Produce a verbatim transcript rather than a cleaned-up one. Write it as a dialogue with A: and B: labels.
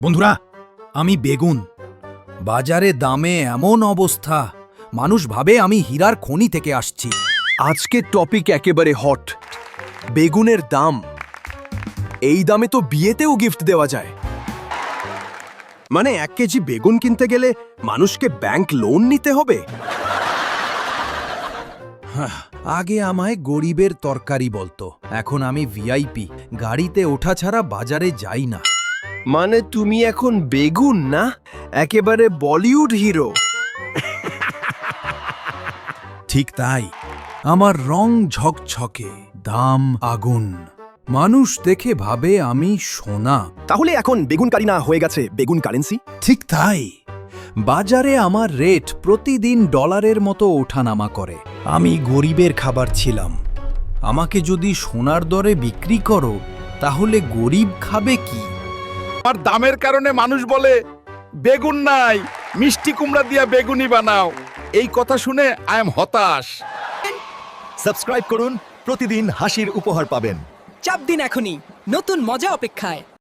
A: বন্ধুরা, আমি বেগুন। বাজারে দামে এমন অবস্থা, মানুষ ভাবে আমি হীরার খনি থেকে আসছি।
B: আজকের টপিক একেবারে হট, বেগুনের দাম। এই দামে তো বিয়েতেও গিফট দেওয়া যায়। মানে এক কেজি বেগুন কিনতে গেলে মানুষকে ব্যাংক লোন নিতে হবে।
A: আগে আমায় গরিবের তরকারি বলতো, এখন আমি ভিআইপি। গাড়িতে ওঠা ছাড়া বাজারে যাই না।
B: মানে তুমি এখন বেগুন না, একেবারে বলিউড হিরো।
A: ঠিক তাই, আমার রং ঝকঝকে, দাম আগুন। মানুষ দেখে ভাবে আমি সোনা।
B: তাহলে এখন বেগুন কারি না হয়ে গেছে বেগুন কারেন্সি।
A: ঠিক তাই, বাজারে আমার রেট প্রতিদিন ডলারের মতো ওঠানামা করে। আমি গরিবের খাবার ছিলাম, আমাকে যদি সোনার দরে বিক্রি করো, তাহলে গরিব খাবে কি?
C: আর দামের কারণে মানুষ বলে বেগুন নাই, মিষ্টি কুমড়া দিয়া বেগুনি বানাও। এই কথা শুনে আই এম হতাশ।
D: সাবস্ক্রাইব করুন, প্রতিদিন হাসির উপহার পাবেন।
E: চাপ দিন এখনই, নতুন মজা অপেক্ষায়।